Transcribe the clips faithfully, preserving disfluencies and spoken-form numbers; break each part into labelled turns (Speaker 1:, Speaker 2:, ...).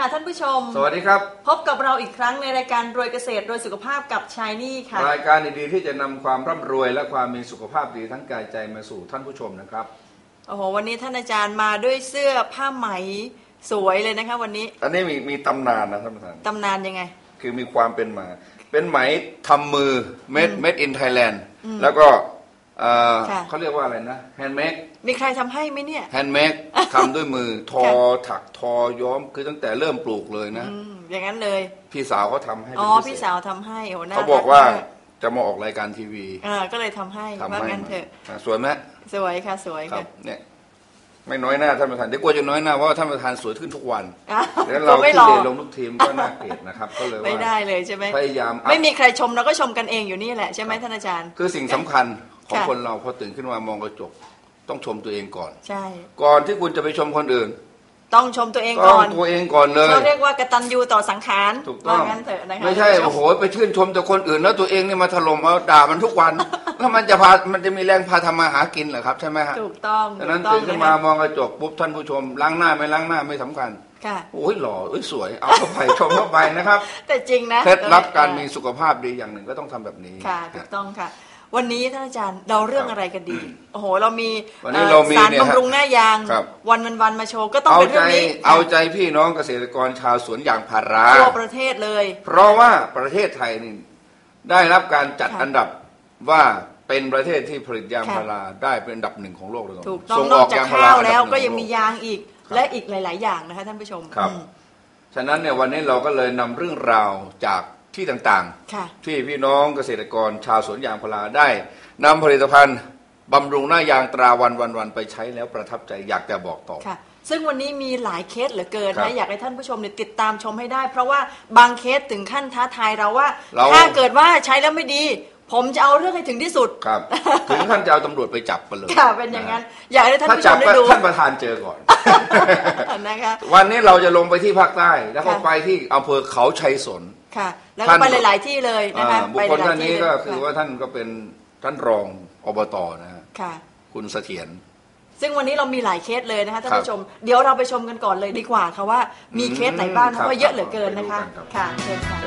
Speaker 1: ค่ะท่านผู้ชม
Speaker 2: สวัสดีครับ
Speaker 1: พบกับเราอีกครั้งในรายการรวยเกษตรรวยสุขภาพกับชายนี่ค่ะ
Speaker 2: รายการดีๆที่จะนำความร่ำรวยและความมีสุขภาพดีทั้งกายใจมาสู่ท่านผู้ชมนะครับ
Speaker 1: โอ้โหวันนี้ท่านอาจารย์มาด้วยเสื้อผ้าไหมสวยเลยนะคะวันนี้
Speaker 2: อันนี้มีมีตำนานนะท่านประธาน
Speaker 1: ตำนานยังไง
Speaker 2: คือมีความเป็นมาเป็นไหมทำมือ made made in Thailand แล้วก็เขาเรียกว่าอะไรนะ handmade
Speaker 1: มีใครทำให้ไหมเนี่ย
Speaker 2: handmade ทำด้วยมือทอถักทอย้อมคือตั้งแต่เริ่มปลูกเลยนะ
Speaker 1: อย่างนั้นเลย
Speaker 2: พี่สาวเขาทำให้
Speaker 1: อ๋อพี่สาวทำให้โอ้น่า
Speaker 2: เขาบอกว่าจะมาออกรายการทีวี
Speaker 1: อ่าก็เลยทำให้ว่างั้นเถอะ
Speaker 2: สวยไหม
Speaker 1: สวยค่ะสวยค่ะ
Speaker 2: เนี่ยไม่น้อยหน้าท่านประธานเดี๋ยวกลัวจะน้อยหน้าเพราะว่าท่านประธานสวยขึ้นทุกวัน
Speaker 1: แล้ว
Speaker 2: เราที่เรียนลงทุกทีมก็น่าเกลียดนะครับก็เลยว่า
Speaker 1: ไม่ได้เลยใช่ไหม
Speaker 2: พยายาม
Speaker 1: ไม่มีใครชมเราก็ชมกันเองอยู่นี่แหละใช่ไหมท่านอาจารย์
Speaker 2: คือสิ่งสำคัญของคนเราพอตื่นขึ้นมามองกระจกต้องชมตัวเองก่อน
Speaker 1: ใช่
Speaker 2: ก่อนที่คุณจะไปชมคนอื่น
Speaker 1: ต้องชมตัวเองก่อน
Speaker 2: ตัวเองก่อนเลย
Speaker 1: เขาเรียกว่ากตัญญูต่อสังขาร
Speaker 2: ถูกต้อง
Speaker 1: งั้นเถอะนะคะ
Speaker 2: ไม่ใช่โอ้โหไปชื่นชมแต่คนอื่นแล้วตัวเองนี่มาถล่มเอาด่ามันทุกวันแล้วมันจะพามันจะมีแรงพาทำมาหากินเหรอครับใช่ไหมฮะ
Speaker 1: ถูกต้อง
Speaker 2: ดังนั้นตื่นขึ้นมามองกระจกปุ๊บท่านผู้ชมล้างหน้าไม่ล้างหน้าไม่สำคัญ
Speaker 1: ค่ะ
Speaker 2: โอ้ยหล่อเอ้ยสวยเอาเข้าไปชมเข้าไปนะครับ
Speaker 1: แต่จริงนะ
Speaker 2: เคล็ดลับการมีสุขภาพดีอย่างหนึ่งก็ต้องทำแบบนี้
Speaker 1: ค่ะถูกต้องค่ะวันนี้ท่านอาจารย์เราเรื่องอะไรกันดีโอ้โหเรามี
Speaker 2: สาร
Speaker 1: บำรุงหน้ายางวันวันวันมาโชว์ก็ต้องเป็นเรื่องนี้
Speaker 2: เอาใจพี่น้องเกษตรกรชาวสวนยางพารา
Speaker 1: ทั่วประเทศเลย
Speaker 2: เพราะว่าประเทศไทยนี่ได้รับการจัดอันดับว่าเป็นประเทศที่ผลิตยางพาราได้เป็นอันดับหนึ่งของโลกเลย
Speaker 1: ถูกต้องนอกจากข้าวแล้วก็ยังมียางอีกและอีกหลายๆอย่างนะคะท่านผู้ชม
Speaker 2: ครับฉะนั้นเนี่ยวันนี้เราก็เลยนำเรื่องราวจากที่ต่างๆที่พี่น้องเกษตรกรชาวสวนยางพาราได้นำผลิตภัณฑ์บำรุงหน้ายางตราวันวันวันไปใช้แล้วประทับใจอยากจะบอกต่อ
Speaker 1: ค่ะซึ่งวันนี้มีหลายเคสเหลือเกินนะอยากให้ท่านผู้ชมเนี่ยติดตามชมให้ได้เพราะว่าบางเคสถึงขั้นท้าทายเราว่าถ้าเกิดว่าใช้แล้วไม่ดีผมจะเอาเรื่องให้ถึงที่สุด
Speaker 2: ครับถึงขั้นจะเอาตำรวจไปจับกันเลย
Speaker 1: ค่ะเป็นอย่างนั้นอยากให้ท่านผู้ชมได้ดู
Speaker 2: ท่านประธานเจอก่อนนะคะวันนี้เราจะลงไปที่ภาคใต้แล้วก็ไปที่อำเภอเขาชัยสน
Speaker 1: ค่ะแล้วก็ไปหลายๆที่เลยนะคะ
Speaker 2: บุคคลท่านนี้ก็คือว่าท่านก็เป็นท่านรองอบต.นะฮะคุณเสถียร
Speaker 1: ซึ่งวันนี้เรามีหลายเคสเลยนะคะท่านผู้ชมเดี๋ยวเราไปชมกันก่อนเลยดีกว่าค่ะว่ามีเคสไหนบ้างเพราะว่าเยอะเหลือเกินนะคะค่ะเชิญค่ะ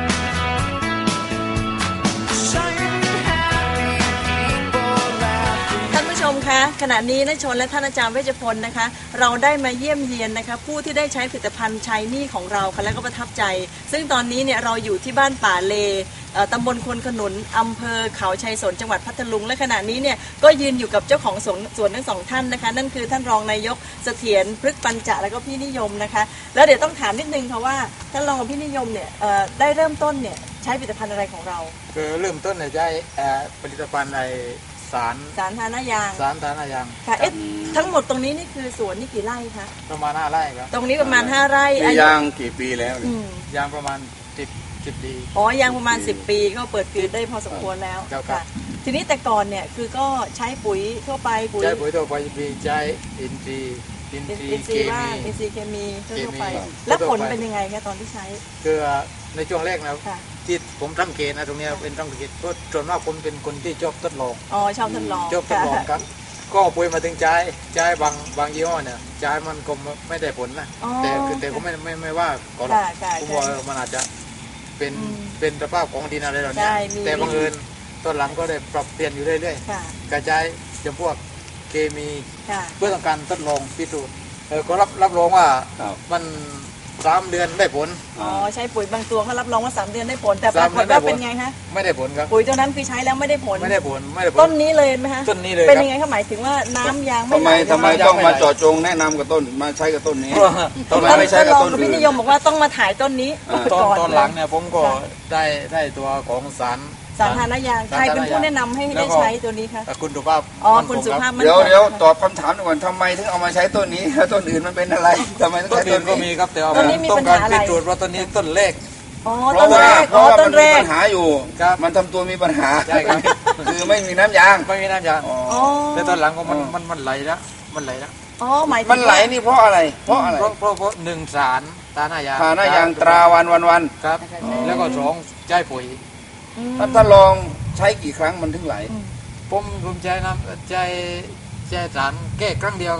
Speaker 1: ท่านผู้ชมคะขณะนี้นายชนและท่านอาจารย์เวชพลนะคะเราได้มาเยี่ยมเยียนนะคะผู้ที่ได้ใช้ผลิตภัณฑ์ชายนี่ของเราค่ะและก็ประทับใจซึ่งตอนนี้เนี่ยเราอยู่ที่บ้านป่าเลตำบลควนขนุนอำเภอเขาชัยสนจังหวัดพัทลุงและขณะนี้เนี่ยก็ยืนอยู่กับเจ้าของสวนสวนทั้งสองท่านนะคะนั่นคือท่านรองนายกเสถียรพฤกษ์ปัญจแล้วก็พี่นิยมนะคะแล้วเดี๋ยวต้องถามนิดนึงค่ะว่าท่านรองกับพี่นิยมเนี่ยได้เริ่มต้นเนี่ยใช้ผลิตภัณฑ์อะไรของเรา
Speaker 3: คือเริ่มต้นเนี่ยใช้ผลิตภัณฑ์ในสาร
Speaker 1: สารทานายาง
Speaker 3: สารทานายาง
Speaker 1: ค่ะเอ๊ะทั้งหมดตรงนี้นี่คือสวนนี่กี่ไร่คะ
Speaker 3: ประมาณห้าไร่ครับ
Speaker 1: ตรงนี้ประมาณห้าไร่
Speaker 2: ยางกี่ปีแล้ว
Speaker 3: ยางประมาณสิบสิบปี
Speaker 1: อ๋อยางประมาณสิบปีก็เปิดกรีดได้พอสมควรแล้วค่ะทีนี้แต่ก่อนเนี่ยคือก็ใช้ปุ๋ยทั่วไป
Speaker 3: ปุ๋ยใช้ปุ๋ยทั่วไปปีใช้อินทรีย์อินทรีย์เคมี
Speaker 1: อินทรีย์เคมีทั่วไปแล้วผลเป็นยังไงคะตอนที่ใช้
Speaker 3: คือในช่วงแรกนะที่ผมทำเกณฑ์นะตรงนี้เป็นทำเกณฑ์เพราะส่วนมากผมเป็นคนที่ชอบทดลอง
Speaker 1: อ๋อชอบทดลอง
Speaker 3: ชอบทดลองครับก็ปุ๋ยมาถึงใจใจบางบางยี่ห้อเนี่ยใจมันก็ไม่ได้ผลนะแต่แต่ก็ไม่ไม่ไม่ว่าก็ผมว่ามันอาจจะเป็นเป็นสภาพของดินอะไรเหล่านี้แต่บังเอิญตอนหลังก็ได้ปรับเปลี่ยนอยู่เรื่อยๆกระจายจำพวกเคมีเพื่อต้องการทดลองพิสูจน์เออก็รับรับรองว่ามันสามเดือนได้ผล
Speaker 1: อ๋อใช้ปุ๋ยบางตัวเขารับรองว่าสามเดือนได้ผลแต่ปรากฏว่าเป็นไงคะ
Speaker 3: ไม่ได้ผลครับ
Speaker 1: ปุ๋ยตัวนั้นคือใช้แล้วไม่ได้ผล
Speaker 3: ไม่ได้ผลไม่ได้ผล
Speaker 1: ต้นนี้เลยไหมคะ
Speaker 3: ต้นนี้เลย
Speaker 1: เป็นยังไงเขาหมายถึงว่าน้ำยาง
Speaker 2: ไม่ทำไมทำไมต้องมาเจาะจงแนะนำกับต้นมาใช้กับต้นนี้
Speaker 1: ทำไมไม่ใช้กับต้นอื่นพี่นิยมบอกว่าต้องมาถ่ายต้นนี้
Speaker 3: ตอนตอนหลังเนี่ยผมก็ได้ได้ตัวของสาร
Speaker 1: สารทานายางใครเป็นผู้แนะนำให้ได้ใช้ตัวนี้คะ
Speaker 3: คุณสุภาพ
Speaker 1: อ๋อคุณสุภาพ
Speaker 2: เดี๋ยวเดี๋ยวตอบคำถามก่อนทำไมถึงเอามาใช้ต้นนี้แล้วต้นอื่นมันเป็นอะไรทำไมต้องใช้ต้น
Speaker 3: ก็มีครับแต่ว่าต้องการพิสูจน์ว่าต้นนี้ต้นเล็ก
Speaker 1: อ๋อต้นแรกอ๋อต้นแรก
Speaker 2: ปัญหาอยู่มันทำตัวมีปัญหา
Speaker 3: ใช่ครับ
Speaker 2: คือไม่มีน้ำยาง
Speaker 3: ไม่มีน้ำยางแต่ตอนหลังก็มันมันมันไหลแล้วมันไหลแล้ว
Speaker 1: อ๋อหมายถึง
Speaker 2: มันไหลนี่เพราะอะไรเพราะอะไร
Speaker 3: เพราะเพราะเพราะหนึ่งสารทานายาง
Speaker 2: ทานายางตราวันวันวัน
Speaker 3: ครับแล้วก็สองใช้ปุ๋ย
Speaker 2: ท่านถ้าลองใช้กี่ครั้งมันถึงไหล
Speaker 3: ผมผมใช้น้ำใช้ใช้สารแก้ครั้งเดียวครับ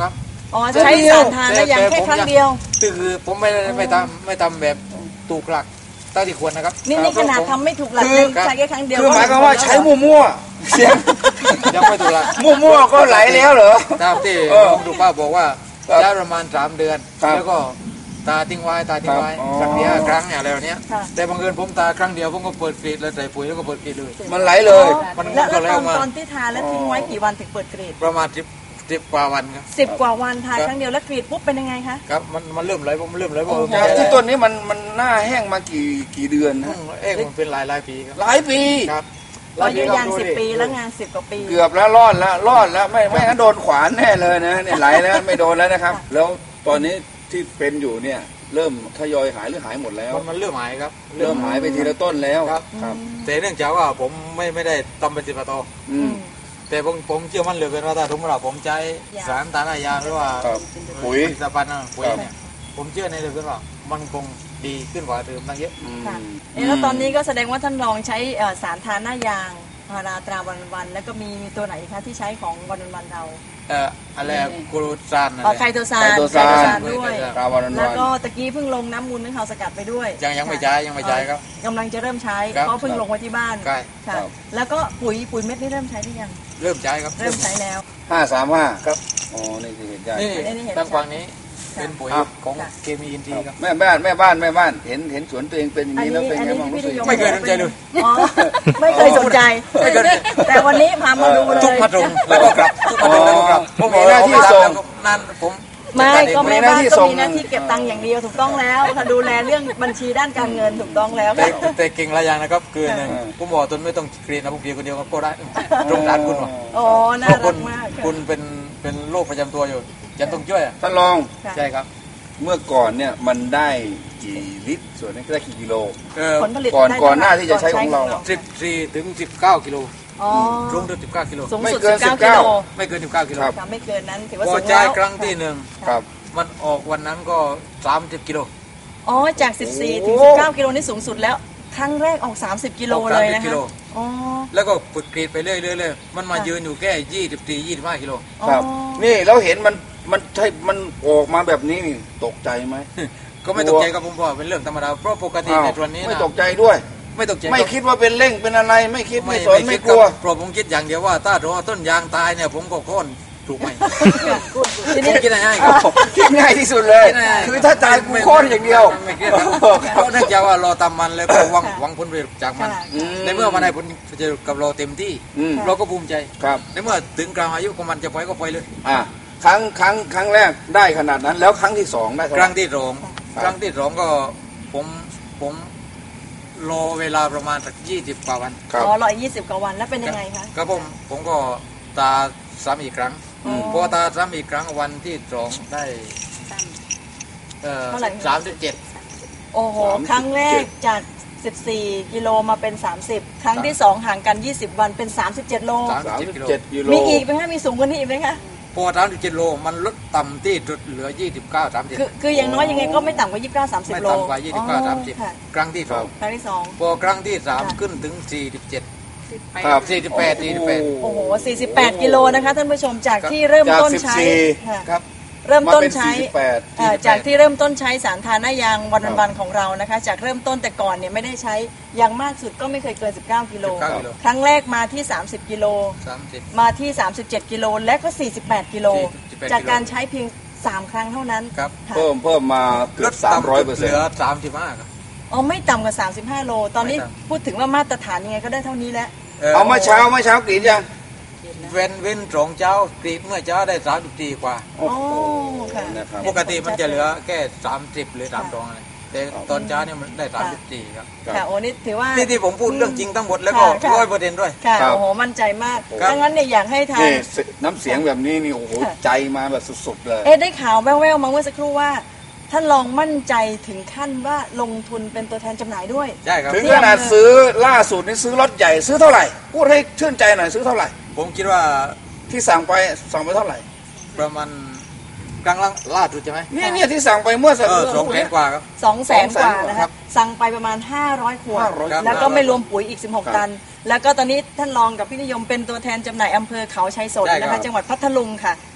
Speaker 1: อ๋อใช้สารทานแล้วยังแค่ครั้งเดียว
Speaker 3: คือผมไม่ไม่ทำไม่ทำแบบถูกหลักตั้งที่ควรนะครับ
Speaker 1: นี่นี่ขนาดทำไม่ถูกหลักใช้แค่ครั้งเดียว
Speaker 2: คือหมายความว่าใช้มั่วๆเสียง
Speaker 3: ยังไม่ถูกหลัก
Speaker 2: มั่วๆก็ไหลแล้วเหรอ
Speaker 3: ตามที่ผมดูป้าบอกว่าใช้ประมาณสามเดือนแล้วก็ตาทิ้งไว้ตาทิ้งไว้สักเดียวครั้งอย่างอะไรเนี้ยแต่บางเอิญผมตาครั้งเดียวผมก็เปิดกรีดแล้วใส่ปุ๋ยแล้วก็เปิดกรีดเลย
Speaker 2: มันไหลเลย
Speaker 1: มันก็แล้วตอนที่ทาแล้วทิ้งไว้กี่วันถึงเปิดกรีด
Speaker 3: ประมาณสิบสิบกว่าวันครับ
Speaker 1: สิบกว่าวันทาครั้งเดียวแล้วกรีดปุ๊บเป็นยังไงคะ
Speaker 3: ครับมันมันเริ่มไหลผมเริ่มไหลผม
Speaker 2: ที่ต้นนี้มันมันหน้าแห้งมากี่กี่เดือนนะ
Speaker 3: เอ๊ะมันเป็นหลายหลายปีครับ
Speaker 2: หลายปี
Speaker 3: ครับ
Speaker 1: เราอยู่ยางสิบปีแล้วงานสิบกว่าปี
Speaker 2: เกือบแล้วรอดแล้วรอดแล้วไม่ไม่งั้นโดนขวานแน่เลยนะเนี่ยไหลแล้วไม่โดนแล้วนะครับแล้วตอนนี้ที่เป็นอยู่เนี่ยเริ่มทยอยหายหรือหายหมดแล้ว
Speaker 3: มันเริ่มหายครับ
Speaker 2: เริ่มหายไปทีละต้นแล้ว
Speaker 3: ครับแต่เนื่องจากว่าผมไม่ไม่ได้ทำเป็นสิบต่อแต่ผมผมเชื่อมั่นเหลือเกินว่าถ้าทุกเราผมใช้สารตาหน้ายางหรือว่า
Speaker 2: ปุ๋ย
Speaker 3: สารนะปุ๋ยเนี่ยผมเชื่อในเหลือเกินว่ามันคงดีขึ้นกว่าเดิมตั้งเยอะ
Speaker 1: ค่ะแล้วตอนนี้ก็แสดงว่าท่านลองใช้สารทาหน้ายางพาราตราวันวันแล้วก็มีมีตัวไหนคะที่ใช้ของวันวันเรา
Speaker 3: เอ่ออะไรกูรูซาน
Speaker 1: ไคโตซานไคโตซานด้วยแล้วก็ตะกี้เพิ่งลงน้ำมูลนึ่งเขาสกัดไปด้วย
Speaker 3: ยังยังไม่ใช้ยังไม่ใช้ครับ
Speaker 1: กำลังจะเริ่มใช้เพราะเพิ่งลงไว้ที่บ้านค่ะแล้วก็ปุ๋ยปุ๋ยเม็ดนี่เริ่มใช้หรือยัง
Speaker 3: เริ่มใช้ครับ
Speaker 1: เริ่มใช้แล้ว
Speaker 2: ห้าสามห้า
Speaker 3: ครับ
Speaker 2: อ๋อนี่คือเห็นใจ
Speaker 3: นี่ตั้งฟังนี้เป็นปุ๋ยของเคมีอินทรีย์ครับ
Speaker 2: แม่บ้านแม่บ้านแม่บ้านเห็นเห็นสวนตัวเองเป็นอย่างนี้แล้วเป็นไงบ้างรู้สึก
Speaker 3: ไม่เคยสนใจเลย
Speaker 1: ไม่เคยสนใจแต่วันนี้พามาดูเลย
Speaker 3: ทุกพัดลมแล้วก็กลับทุกพัดลมแล้วก็กลับ
Speaker 2: ผมมีหน้าที่ส่ง
Speaker 3: นั่นผม
Speaker 1: ไม่ก็แม่บ้านก็มีหน้าที่เก็บตังค์อย่างเดียวถูกต้องแล้วถ้าดูแลเรื่องบัญชีด้านการเงินถูกต้องแล้ว
Speaker 3: แต่แต่เก่งหลายอย่างนะครับคือหนึ่งผมบอกตนไม่ต้องกรีดนะผมกรีดคนเดียวก็ได้ตรงด้านคุณว่ะ
Speaker 1: อ๋อน่ารักมาก
Speaker 3: คุณเป็นเป็นโรคประจำตัวอยู่จะต้องช่วย
Speaker 2: ท่านรอง
Speaker 3: ใช่ครับ
Speaker 2: เมื่อก่อนเนี่ยมันได้กี่ลิตรส่วนนี้ได้กี่กิโล
Speaker 1: ผลผลิต
Speaker 2: ก่อนก่อนหน้าที่จะใช้ของเรา
Speaker 3: สิบสี่ถึงสิบเก้ากิโลสูงถึงสิบเก้ากิโล
Speaker 1: ไม่เกินสิบเก้า
Speaker 3: ไม่เกินสิบเก้ากิโล
Speaker 1: ไม่เกินนั้นถือว่า
Speaker 3: สูงแล้วพอใช้ครั้งที่หนึ่ง
Speaker 2: ครับ
Speaker 3: มันออกวันนั้นก็สามสิบกิโล
Speaker 1: อ๋อจากสิบสี่ถึงสิบเก้ากิโลนี่สูงสุดแล้วครั้งแรกออกสามสิบกิโลเลยนะคะอ๋อ
Speaker 3: แล้วก็ฝึกกรีดไปเรื่อยๆมันมายืนอยู่แค่ยี่สิบสี่ ยี่สิบห้ากิโล
Speaker 2: ครับนี่เราเห็นมันมันใช่มันออกมาแบบนี้นี่ตกใจไหม
Speaker 3: ก็ไม่ตกใจครับผมบอกเป็นเรื่องธรรมดาเพราะปกติในตัวนี้
Speaker 2: ไม่ตกใจด้วย
Speaker 3: ไม่ตกใจ
Speaker 2: ไม่คิดว่าเป็นเร่งเป็นอะไรไม่คิดไม่สนไม่กลัว
Speaker 3: เพราะผมคิดอย่างเดียวว่าถ้ารอต้นยางตายเนี่ยผมก็โค่นถูกไหม
Speaker 2: ทีนี้คิดง่ายคิดง่ายที่สุดเลยคือถ้าตายกูโค่นอย่างเดียว
Speaker 3: ไม่คิดเพราะเนื่องจากว่าเราทำมันแล้วก็หวังหวังผลประโยชน์จากมันในเมื่อมันได้ผลประโยชน์กับเราเต็มที่เราก็ภูมิใจในเมื่อถึงกลางอายุของมันจะปล่อยก็ปล่อยเลย
Speaker 2: อ่าครั้งครั้งครั้งแรกได้ขนาดนั้นแล้วครั้งที่สองได้
Speaker 3: ครั้งที่สองครั้งที่สองก็ผมผมรอเวลาประมาณสักยี่สิบกว่าวัน
Speaker 1: อ๋อรอยี่สิบกว่าวันแล้วเป็นยังไงคะ
Speaker 3: ครับผมผมก็ตาซ้ำอีกครั้งพอตาซ้ำอีกครั้งวันที่สองได้เอ่อสามสิบเจ็ด
Speaker 1: โอ้โหครั้งแรกจากสิบสี่กิโลมาเป็นสามสิบครั้งที่สองห่างกันยี่สิบวันเป็นสามสิบเจ็ดโล
Speaker 2: สามสิบเจ็ดกิโล
Speaker 1: มีอีกไหมคะมีสูงกว่านี้อีกไหมคะ
Speaker 3: พอสามสิบเจ็ดโลมันลดต่ำที่จุดเหลือยี่สิบเก้า สามสิบ
Speaker 1: คือคืออย่างน้อยยังไงก็ไม่ต่ำกว่ายี่สิบเก้า สามสิบโล
Speaker 3: ไม่ต่ำกว่ายี่สิบเก้า สามสิบครั้งที่สอง
Speaker 1: ครั้งที่สอง
Speaker 3: พอครั้งที่สามขึ้นถึงสี่สิบเจ็ด
Speaker 2: ครับ
Speaker 3: สี่สิบแปด สี่สิบแปด
Speaker 1: โอ้โหสี่สิบแปดกิโลนะคะท่านผู้ชมจากที่เริ่มต้นใช้
Speaker 2: ครับ
Speaker 1: เริ่มต้นใช้จากที่เริ่มต้นใช้สารทาหน้ายางวันวันของเรานะคะจากเริ่มต้นแต่ก่อนเนี่ยไม่ได้ใช้อย่างมากสุดก็ไม่เคยเกินสิบเก้ากิโลครั้งแรกมาที่สามสิบกิโลมาที่สามสิบเจ็ดกิโลและก็สี่สิบแปดกิโลจากการใช้เพียงสามครั้งเท่านั้น
Speaker 2: เพิ่มเพิ่มมาเกือบสามร้อยเปอร์เซ็นต์
Speaker 3: เหลือสามสิบห้าครับ
Speaker 1: อ๋อไม่ต่ำกว่าสามสิบห้าโลตอนนี้พูดถึงว่ามาตรฐานยังไงก็ได้เท่านี้แล้ว
Speaker 2: เอาเมื่อเช้าเมื่อเช้ากรีดยัง
Speaker 3: เว้นเว้นสองเช้ากรีดเมื่อเช้าได้สามสิบสี่กว่าปกติมันจะเหลือแค่สามสิบหรือสามสองอะไรแต่ตอนเช้าเนี่ยมันได้สามสิบสี่ครับ
Speaker 1: ค่ะโอ้นี่ถือว่า
Speaker 3: นี่ที่ผมพูดเรื่องจริงทั้งหมดแล้วก็ร้อยเปอร์เซ็นต์ด้วย
Speaker 1: ค่ะโอ้โหมั่นใจมากดังนั้นเนี่ยอยากให้ทาง
Speaker 2: น้ำเสียงแบบนี้นี่โอ้โหใจมาแบบสุดๆเลย
Speaker 1: เอ๊ะได้ข่าวแว่วๆมาเมื่อสักครู่ว่าท่านลองมั่นใจถึงขั้นว่าลงทุนเป็นตัวแทนจำหน่ายด้วย
Speaker 3: ใช่ครับ
Speaker 2: ถึงขนาดซื้อล่าสุดนี่ซื้อรถใหญ่ซื้อเท่าไหร่พูดให้ชื่นใจหน่อยซื้อเท่าไหร่
Speaker 3: ผมคิดว่า
Speaker 2: ที่สั่งไปสั่งไปเท่าไหร่
Speaker 3: ประมาณกลางล่าสุดใช่ไหม
Speaker 2: เนี่ยเนี่ยที่สั่งไปเมื่อสัก
Speaker 3: สองแสนกว่าครับ
Speaker 1: สองแสนกว่านะครับสั่งไปประมาณห้าร้อยขวดแล้วก็ไม่รวมปุ๋ยอีกสิบหกตันแล้วก็ตอนนี้ท่านรองกับพี่นิยมเป็นตัวแทนจำหน่ายอำเภอเขาชัยสนนะคะจังหวัดพัทลุงค่ะ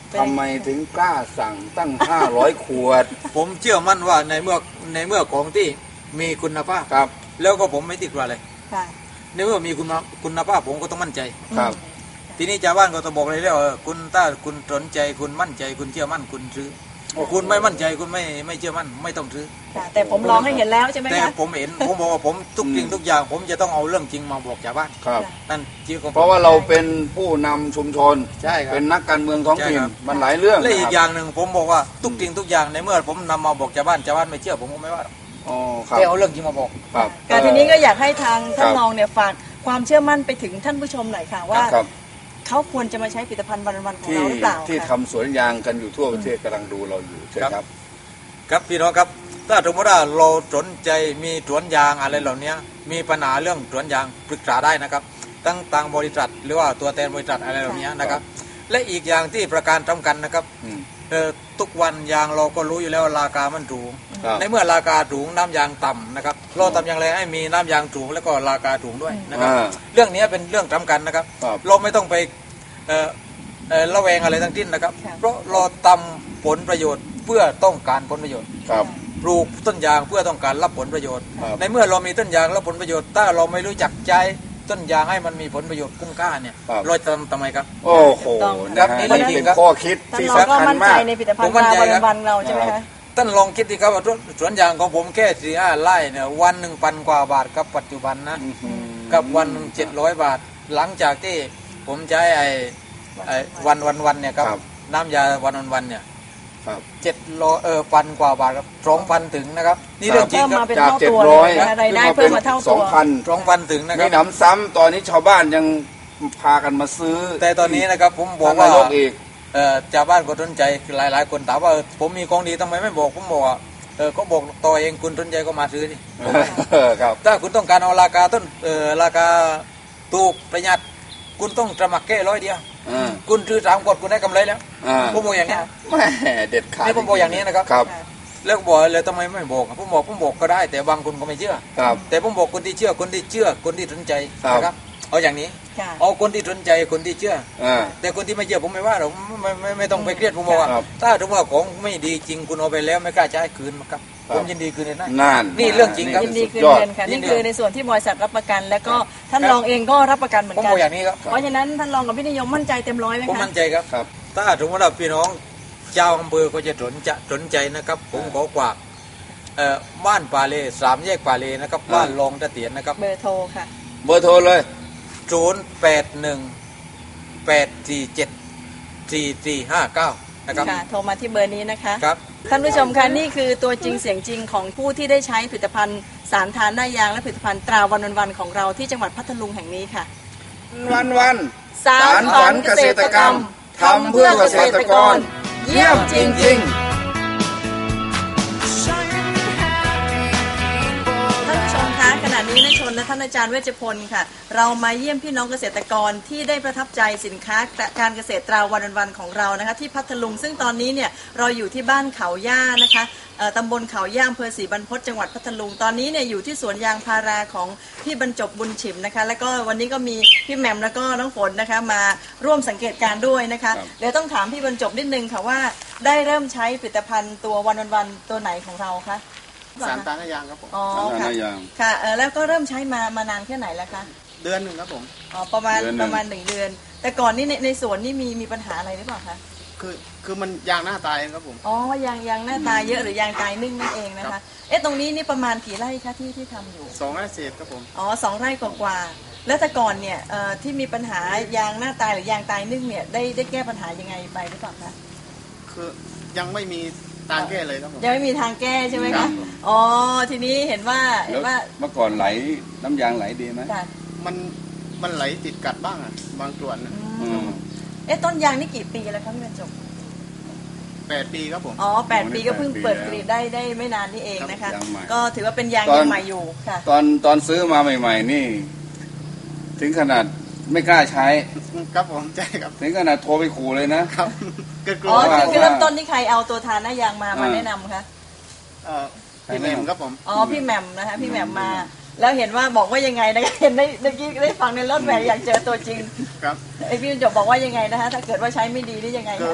Speaker 2: ทำไมถึงกล้าสั่งตั้งห้าร้อยขวด
Speaker 3: ผมเชื่อมั่นว่าในเมื่อในเมื่อของที่มีคุณภาพ
Speaker 2: ครับ
Speaker 3: แล้วก็ผมไม่ติดว่าอะไร
Speaker 1: ค่ะ
Speaker 3: ในเมื่อมีคุณคุณภาพผมก็ต้องมั่นใจ
Speaker 2: ครับ
Speaker 3: ทีนี้ชาวบ้านก็จะบอกเลยแล้วคุณถ้าคุณสนใจคุณมั่นใจคุณเชื่อมั่นคุณซื้อคุณไม่มั่นใจคุณไม่ไม่เชื่อมั่นไม่ต้องซื้อ
Speaker 1: ค่ะแต่ผมลองให้เห็นแล้วใช่ไหม
Speaker 3: แต่
Speaker 1: คะ
Speaker 3: ผมเห็น ผมบอกว่าผมทุกสิ่งทุกอย่าง ผมจะต้องเอาเรื่องจริงมาบอกชาวบ้าน
Speaker 2: ครับ
Speaker 3: นั่นที่ผม
Speaker 2: เพราะว่าเราเป็นผู้นำชุมชน
Speaker 3: ใช่ครับ
Speaker 2: เป็นนักการเมืองท้องถิ่น
Speaker 3: ใช่ครับ
Speaker 2: มันหลายเรื่อง
Speaker 3: และอี
Speaker 2: นะ
Speaker 3: ก
Speaker 2: ครับ
Speaker 3: อย่างหนึ่งผมบอกว่าทุกสิ่งทุกอย่างในเมื่อผมนำมาบอกชาวบ้านชาวบ้านไม่เชื่อผมก็ไม่ว่า
Speaker 2: อ๋อครับ
Speaker 3: แค่เอาเรื่องจริงมาบอก
Speaker 2: ครับ
Speaker 1: ค่ะทีนี้ก็อยากให้ทางท่าน
Speaker 2: ครับ
Speaker 1: รองเนี่ยฝากความเชื่อมั่นไปถึงท่านผู้ชมหน่อยค่ะว่า
Speaker 2: ครับ
Speaker 1: เขาควรจะมาใช้ผลิตภัณฑ์วันวันๆของ
Speaker 2: ที่
Speaker 1: เราหรือเปล่า
Speaker 2: ที่
Speaker 1: ค่ะ
Speaker 2: ทำสวนยางกันอยู่ทั่วประเทศกำลังดูเราอยู่ใช่ครับ
Speaker 3: ครับพี่น้องครับถ้าสมมติว่าเราสนใจมีสวนยางอะไรเหล่านี้มีปัญหาเรื่องสวนยางปรึกษาได้นะครับตั้งทางบริษัทหรือว่าตัวแทนบริษัทอะไรเหล่านี้นะครับ และอีกอย่างที่ประการสำคัญนะครับ
Speaker 2: อืม
Speaker 3: เอ่อทุกวันยางเราก็รู้อยู่แล้วราคามันสูง
Speaker 2: ครับ
Speaker 3: ในเมื่อราคาสูงน้ำยางต่ำนะครับเราทำอย่างไรให้มีน้ำยางสูงแล้วก็ราคาสูงด้วยนะครับ
Speaker 2: อ่า
Speaker 3: เรื่องนี้เป็นเรื่องสำคัญนะครับ
Speaker 2: ครับ
Speaker 3: เราไม่ต้องไปเอ่อเอ่อระแวงอะไรทั้งสิ้นนะครับ
Speaker 1: ค่ะ
Speaker 3: เพราะเราทำผลประโยชน์เพื่อต้องการผลประโยชน์
Speaker 2: ครับ
Speaker 3: ปลูกต้นยางเพื่อต้องการรับผลประโยชน์
Speaker 2: ครับ
Speaker 3: ในเมื่อเรามีต้นยางรับผลประโยชน์ถ้าเราไม่รู้จักใช้ต้นยางให้มันมีผลประโยชน์คุ้มค่าเนี่ย
Speaker 2: ครับ
Speaker 3: เราจะทำทำไมครับ
Speaker 2: โอ้โห
Speaker 1: ต้อง
Speaker 2: นะฮะ
Speaker 3: นี่
Speaker 2: นี่
Speaker 3: เรื่องจริ
Speaker 2: เป็
Speaker 3: ง
Speaker 2: น
Speaker 3: ครับ
Speaker 2: ข้อคิด
Speaker 1: ท่าน
Speaker 2: ที่
Speaker 1: รองก็
Speaker 2: สำคัญ
Speaker 1: มั่นใจ
Speaker 2: มาก
Speaker 1: ในผลิตภัณ
Speaker 3: ผ
Speaker 1: ฑ์
Speaker 3: มมั่นใจ
Speaker 1: วัน
Speaker 3: ครับ
Speaker 1: วันๆเราใช่ไหมคะ
Speaker 3: ท่านลองคิดดีครับว่าสวนยางของผมแค่สี่ห้าไร่เนี่ยวันหนึ่งพันกว่าบาทกับปัจจุบันนะ กับวันหนึ่งเจ็ดร้อยบาท หลังจากที่ผมใช้ไอ้ไอ้วันวันวันเนี่ยครับ
Speaker 2: ครับ
Speaker 3: น้ำยาวันวันวันเนี่ย
Speaker 2: ครับ
Speaker 3: เจ็ดร้อยเออพันกว่าบาทครับสองพันถึงนะครับนี่เรื่องจริง
Speaker 1: เพิ่ม
Speaker 3: ครั
Speaker 1: มา
Speaker 3: บ
Speaker 1: เป็น
Speaker 2: จาก
Speaker 1: เท่า
Speaker 2: เจ็ด
Speaker 1: ตัว
Speaker 2: ร้อย
Speaker 1: เลยนะคะรายได้เพิ่มมาเท่า
Speaker 2: ส
Speaker 1: ตั
Speaker 2: อง
Speaker 1: ว
Speaker 2: พัน
Speaker 3: สองพันถึงนะค
Speaker 2: มี
Speaker 3: รับ
Speaker 2: หนำซ้ำตอนนี้ชาวบ้านยังพากันมาซื้อ
Speaker 3: แต่ตอนนี้นะครับผมบอก
Speaker 2: ท่าน
Speaker 3: ว่าน
Speaker 2: ายกอีก
Speaker 3: เอ่อชาวบ้านก็สนใจหลายหลายๆคนถามว่าเออผมมีของดีทำไมไม่บอกผมบอกว่าเออก็บอกตัวเองคุณสนใจก็มาซื้อดิ
Speaker 2: เออครับ
Speaker 3: ถ้าคุณต้องการเอาราคาต้นเอ่อราคาถูกประหยัดคุณต้องสมัครแค่ร้อยเดียว
Speaker 2: อ่า
Speaker 3: คุณซื้อสามขวดคุณได้กำไรแล้ว
Speaker 2: อ่า
Speaker 3: ผมบอกอย่างนี้
Speaker 2: แม่เด็ดขาด
Speaker 3: นี่ผมบอกอย่างนี้นะครับ
Speaker 2: ครับ
Speaker 3: แล้วก็บอกเลยทำไมไม่บอกผมบอกผมบอกก็ได้ แต่บางคนก็ไม่เชื่อ
Speaker 2: ครับ
Speaker 3: แต่ผมบอกคนที่เชื่อคนที่เชื่อคนที่สนใจ
Speaker 2: ครับ
Speaker 3: นะครับเอาอย่างนี้
Speaker 1: ค่ะ
Speaker 3: เอาคนที่สนใจคนที่เชื่อ
Speaker 2: อ่า
Speaker 3: แต่คนที่ไม่เชื่อผมไม่ว่าหรอกไม่ไม่ไม่ไม่ต้องไปเครียดผมบอกว่า
Speaker 2: ครับ
Speaker 3: ถ้าถือว่าของไม่ดีจริงคุณเอาไปแล้วไม่กล้าจะให้คืนครับ
Speaker 2: ครับ
Speaker 3: ผมยินดีคืนเลยนะ
Speaker 2: นั่น
Speaker 3: นี่เรื่องจริงครับ
Speaker 1: ยินดีคืน
Speaker 2: สุยอ
Speaker 1: เงินค่ะ
Speaker 3: ยิ
Speaker 1: นี่
Speaker 3: นดี
Speaker 1: คือในส่วนที่บริษัทรับประกัน แล้วก็ท่าน
Speaker 3: ครับ
Speaker 1: รองเองก็รับประกันเหมือน
Speaker 3: ผม
Speaker 1: กัน
Speaker 3: บอกอย่างนี้ครับ
Speaker 1: เพราะฉะนั้นท่านรองกับพี่นิยมมั่นใจเต็มร้อยไหม
Speaker 3: ผม
Speaker 1: คะ
Speaker 3: มั่นใจครับ
Speaker 2: ครับ
Speaker 3: ถ้าถือว่าพี่น้องเจ้าอำเภอก็จะสนจะสนใจนะครับ ผมขอกวากเอ่อบ้านป่าเลสามแยกป่าเลนะครับบ้านรองตะเตียนนะครับ
Speaker 1: เบอร์โทรค่ะ
Speaker 2: เบอร์โทรเลย
Speaker 3: ศูนย์แปดหนึ่งแปดสี่เจ็ดสี่สี่ห้าเก้านะครับ
Speaker 1: ค่ะ โทรมาที่เบอร์นี้นะคะ
Speaker 3: ครับ
Speaker 1: ท่านผู้ชมคะนี่คือตัวจริงเสียงจริงของผู้ที่ได้ใช้ผลิตภัณฑ์สารทานหน้ายางและผลิตภัณฑ์ตราวันวันๆของเราที่จังหวัดพัทลุงแห่งนี้ค่ะ
Speaker 2: วันวัน
Speaker 1: สารฝันเกษตรกรรมทำเพื่อเกษตรกร เยี่ยมจริงๆ ท่านผู้ชมคะขณะนี้นายชนและท่านอาจารย์เวชพลค่ะ เรามาเยี่ยมพี่น้องเกษตรกรที่ได้ประทับใจสินค้าการเกษตรตราวันวันๆของเรานะคะที่พัทลุงซึ่งตอนนี้เนี่ยเราอยู่ที่บ้านเขาย่านะคะเอ่อตำบลเขาย่าอำเภอศรีบรรพตจังหวัดพัทลุงตอนนี้เนี่ยอยู่ที่สวนยางพาราของพี่บรรจบบุญฉิมนะคะแล้วก็วันนี้ก็มีพี่แหม่มแล้วก็น้องฝนนะคะมาร่วมสังเกตการณ์ด้วยนะคะ
Speaker 2: ครับ
Speaker 1: เดี๋ยวต้องถามพี่บรรจบนิดนึงค่ะว่าได้เริ่มใช้ผลิตภัณฑ์ตัววันวันๆตัวไหนของเราคะ
Speaker 4: สารตาหน้ายางครับผม
Speaker 1: อ๋อ
Speaker 2: สารทานห
Speaker 1: ค่ะ
Speaker 2: น้ายาง
Speaker 1: ค่ะเออแล้วก็เริ่มใช้มามานานแค่ไหนแล้วคะ
Speaker 4: เดือนหนึ่งครับผม
Speaker 1: อ๋อประมาณ
Speaker 2: เดือนหนึ่ง
Speaker 1: ประมาณหนึ่งเดือน แต่ก่อนนี่ในในสวนนี่มีมีปัญหาอะไรหรือเปล่าคะ
Speaker 4: คือคือมันยางหน้าตายครับผม
Speaker 1: อ๋อยางยางหน้าตาเยอะหรือยางตายนึ่งนั่นเองนะ
Speaker 4: ครั
Speaker 1: คะ
Speaker 4: บ
Speaker 1: เอ๊ะตรงนี้นี่ประมาณกี่ไร่คะที่ที่ทำอยู่
Speaker 4: สองไร่เศษครับผม
Speaker 1: อ๋อสองไร่กว่าๆแล้วแต่ก่อนเนี่ยเอ่อที่มีปัญหายางหน้าตายหรือยางตายนึ่งเนี่ยได้ได้แก้ปัญหายังไงไปหรือเปล่าคะ
Speaker 4: คือยังไม่มีทางแก้เลยครับผม
Speaker 1: ยังไม่มีทางแก้ใช่ไหม
Speaker 4: ครั
Speaker 1: คะ
Speaker 4: บ
Speaker 1: อ๋อทีนี้เห็นว่าเห็
Speaker 2: แล้
Speaker 1: น
Speaker 2: ว
Speaker 1: ว่า
Speaker 2: เมื่อก่อนไหลน้ำยางไหลดีไหม
Speaker 1: ค่ะ
Speaker 4: มันมันไหลติดกัดบ้างอ่ะบางส่วนนะ
Speaker 1: อืมเอ๊ะต้นยางนี่กี่ปีแล้วคะพี่บรรจบ
Speaker 4: แปดปีครับผม
Speaker 1: อ๋อแปด
Speaker 2: อ๋อ
Speaker 1: ปีก็เพิ่ง
Speaker 2: แปดปี
Speaker 1: เปิด
Speaker 2: แล้ว
Speaker 1: กรีดได้ได้ไม่นานนี่เองนะคะ
Speaker 2: ยางใหม่
Speaker 1: ก็ถือว่าเป็นยาง
Speaker 2: ตอน
Speaker 1: ยังใหม่อยู่ค่ะ
Speaker 2: ตอนตอนซื้อมาใหม่ ๆ นี่ ถึงขนาดไม่กล้าใช้
Speaker 4: ครับผมใช่ครับ
Speaker 2: ถึงขนาดโทรไปขู่เลยนะ
Speaker 4: ครับเกิดกลั
Speaker 1: อ๋
Speaker 4: ว
Speaker 1: อ
Speaker 2: ว่า
Speaker 1: คือคือเริ่มต้นที่ใครเอาตัวทานหน้ายางมามา
Speaker 2: อ่า
Speaker 1: แนะนำคะ
Speaker 4: เอ่อพี่เมมครับผม
Speaker 1: อ๋อพี่แหม่มนะคะพี่แหม่มมา แล้วเห็นว่าบอกว่ายังไงนะคะเห็นได้เมื่อกี้ได้ฟังในรถแหวกอยากเจอตัวจริง
Speaker 4: ครับ
Speaker 1: ไอพี่บรรจบบอกว่ายังไงนะคะถ้าเกิดว่าใช้ไม่ดีนี่ยังไง
Speaker 4: คือ
Speaker 1: คะ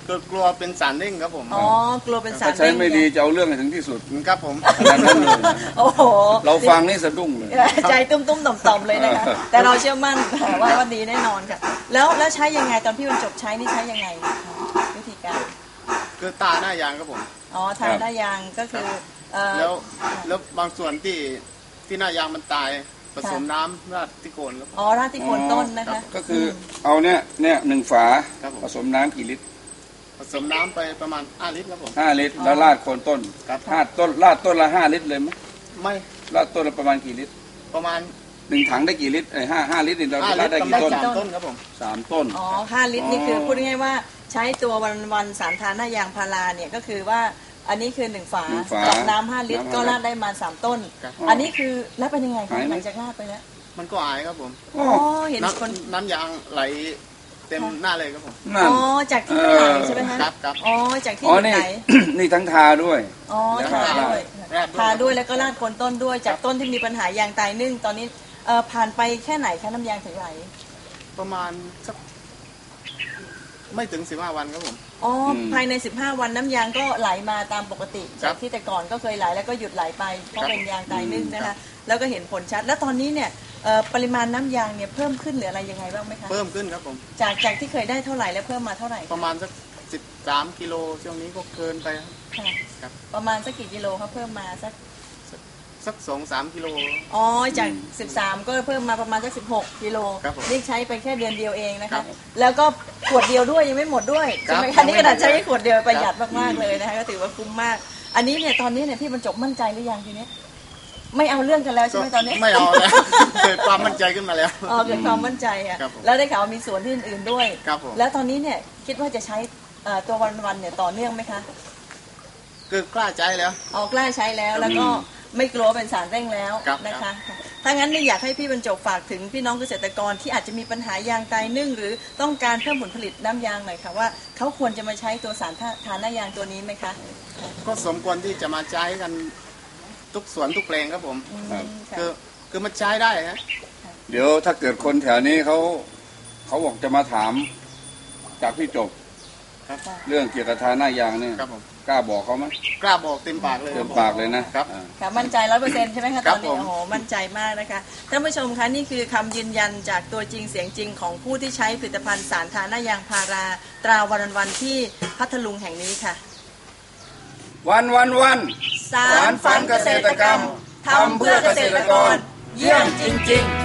Speaker 4: ก็กลัวเป็นสารเร่งครับผม
Speaker 1: อ๋อกลัวเป็นสาร
Speaker 2: ถ้าใช้ไม่ดีจะเอาเรื่องให้ถึงที่สุด
Speaker 4: ครับผม
Speaker 2: ขนาดนั้นเลยนะ
Speaker 1: โอ้โห
Speaker 2: เราฟังนี่สะดุ้งเลย
Speaker 1: ใจตุ้มตุ้มต่อมต่อมๆเลยนะคะแต่เราเชื่อมั่นว่าว่าดีแน่นอนค่ะแล้วแล้วใช้ยังไงตอนพี่บรรจบใช้นี่ใช้ยังไงวิธีการ
Speaker 4: คือตาหน้ายางครับผม
Speaker 1: อ๋อทานได้ยางก็คือเอ่อ
Speaker 4: แล้วแล้วบางส่วนที่ที่หน้ายางมันตายผสมน้ำราดที่โคนครับผม
Speaker 1: อ๋อราดที่โคนต้นนะคะ
Speaker 2: ก็คือเอาเนี่ยเนี่ยหนึ่งฝา
Speaker 4: ครับผม
Speaker 2: ผสมน้ำกี่ลิตร
Speaker 4: ผสมน้ำไปประมาณห้าลิตรครับผม
Speaker 2: ห้าลิตรแล้วราดโคนต้น
Speaker 4: ครับ
Speaker 2: ห้าต้นราดต้นละห้าลิตรเลยไหม
Speaker 4: ไม่
Speaker 2: ราดต้นละประมาณกี่ลิตร
Speaker 4: ประมาณ
Speaker 2: หนึ่งถังได้กี่ลิตรไอ้ห้าห้าลิตรนี่เรา
Speaker 4: ห้าลิ
Speaker 2: รา
Speaker 4: ต
Speaker 2: ด
Speaker 4: ร
Speaker 2: ได้
Speaker 4: ประ
Speaker 2: กี่
Speaker 4: มาณ
Speaker 2: ต้น
Speaker 4: สามต้นครับผม
Speaker 2: สามต้น
Speaker 1: อ๋อห้าลิตรนี่คือพูดง่ายๆว่าใช้ตัววันวันๆสารทานหน้ายางพาราเนี่ยก็คือว่าอันนี้คือหนึ่งฝา
Speaker 2: หนึ่งฝา
Speaker 1: กับน้ำห้าลิตร
Speaker 2: น้ำห้า
Speaker 1: ก็ราดได้มาสามต้น
Speaker 4: ครับ
Speaker 1: อันนี้คือแล้วเป็นยังไงคะ
Speaker 2: หายไหม
Speaker 1: หลังจากราดไปแล้ว
Speaker 4: มันก็หายครับผม
Speaker 2: โอ้
Speaker 1: อ๋อเห็น
Speaker 4: น้
Speaker 1: คน
Speaker 4: ำน้ำยางไหลเต็มหน้าเลยครับผม
Speaker 2: นั่น
Speaker 1: อ๋อจากที่มันไหลใช่ไหมคะ
Speaker 4: ครับครับ
Speaker 1: อ๋อจากที่
Speaker 2: อ๋อ
Speaker 1: มัน
Speaker 2: นี่
Speaker 1: ไหล
Speaker 2: นี่ทั้งทาด้วย
Speaker 1: อ๋อทาด้วย
Speaker 4: ราดด้วย
Speaker 1: ทาด้วยแล้วก็ราดโคนต้นด้วยจากต้นที่มีปัญหายางตายนึ่งตอนนี้เอ่อผ่านไปแค่ไหนคะน้ำยางถึงไหล
Speaker 4: ประมาณสักไม่ถึงสิบห้าวันครับผม
Speaker 1: อ๋ออ
Speaker 2: ม
Speaker 1: ภายในสิบห้าวันน้ำยางก็ไหลมาตามปกติ
Speaker 4: ครั
Speaker 1: จา
Speaker 4: บ
Speaker 1: กที่แต่ก่อนก็เคยไหลแล้วก็หยุดไหลไปเพราะ
Speaker 4: ครับ
Speaker 1: เป็นยางตายนึ่งนะ
Speaker 4: ครั
Speaker 1: คะ
Speaker 4: บ
Speaker 1: แล้วก็เห็นผลชัด แล้วตอนนี้เนี่ยเอ่อปริมาณน้ำยางเนี่ยเพิ่มขึ้นหรืออะไรยังไงบ้างไหมคะ
Speaker 4: เพิ่มขึ้นครับผม
Speaker 1: จากจากที่เคยได้เท่าไหร่แล้วเพิ่มมาเท่าไหร่
Speaker 4: ประมาณสักสิบสามกิโลช่วงนี้ก็เกินไปครับ
Speaker 1: ค่ะ
Speaker 4: ครับ
Speaker 1: ประมาณสักกี่กิโลครับเพิ่มมาสัก
Speaker 4: สักสองสามกิโล
Speaker 1: อ๋อจากสิบสามก็เพิ่มมาประมาณสักสิบหกกิโล
Speaker 4: ครับผม
Speaker 1: นี่ใช้ไปแค่เดือนเดียวเองนะ
Speaker 4: ครั
Speaker 1: คะ
Speaker 4: บ
Speaker 1: แล้วก็ขวดเดียวด้วยยังไม่หมดด้วย
Speaker 4: ครั
Speaker 1: ใช่
Speaker 4: บ
Speaker 1: ไหมคะนี่ขนาดใช้แค่ขวดเดียวประหยัด
Speaker 4: ครับ
Speaker 1: มากๆเลยนะคะก็ถือว่าคุ้มมาก อันนี้เนี่ยตอนนี้เนี่ยพี่บรรจบมั่นใจหรือยังทีนี้ไม่เอาเรื่องกันแล้วใช่ไหมตอนนี้
Speaker 4: ไม่เอาแล้ว เกิดความมั่นใจขึ้นมาแล้ว
Speaker 1: อ๋อเกิดความมั่นใจอ่ะ
Speaker 4: ครับผม
Speaker 1: แล้วได้ข่าวว่ามีสวนที่อื่นๆด้วย
Speaker 4: ครับผม
Speaker 1: แล้วตอนนี้เนี่ยคิดว่าจะใช้เอ่อตัววันๆเนี่ยต่อเนื่องไหมคะ
Speaker 4: คือกล้าใจแล้ว
Speaker 1: ออกกล้าใช้แล้วแล้วก็ไม่กลัวเป็นสารเร่งแล้ว
Speaker 4: ครับ
Speaker 1: นะคะถ้างั้นเนี่ยอยากให้พี่บรรจบฝากถึงพี่น้องเกษตรกรที่อาจจะมีปัญหายางตายนึ่งหรือต้องการเพิ่มผลผลิตน้ำยางหน่อยค่ะว่าเขาควรจะมาใช้ตัวสารทานหน้ายางตัวนี้ไหมคะ
Speaker 4: ก็สมควรที่จะมาใช้กันทุกสวนทุกแปลงครับผม
Speaker 2: ครับ
Speaker 1: ค่ะ
Speaker 4: คือคือมันใช้ได้ฮะ
Speaker 2: เดี๋ยวถ้าเกิดคนแถวนี้เขาเขาบอกจะมาถามจากพี่จบ
Speaker 4: ครับ
Speaker 2: เรื่องเกี่ยวกับทาหน้ายางเนี่ย
Speaker 4: ครับผม
Speaker 2: กล้าบอกเขาไหม
Speaker 4: กล้าบอกเต็มปากเลย
Speaker 2: เต็มปากเลยนะครับ อ่า
Speaker 1: ค่ะมั่นใจร้อยเปอร์เซ็นต์ใช่ไหมคะ
Speaker 4: ค
Speaker 1: ต
Speaker 4: รั
Speaker 1: อบ นนี้
Speaker 4: ผม
Speaker 1: โอ้โหมั่นใจมากนะคะท่านผู้ชมคะนี่คือคำยืนยันจากตัวจริงเสียงจริงของผู้ที่ใช้ผลิตภัณฑ์สารทานหน้ายางพาราตราวันวันๆที่พัทลุงแห่งนี้ค่ะ
Speaker 2: วันวันวัน
Speaker 1: สารฝันเกษตรกรรมทำเพื่อเกษตรกร เยี่ยมจริง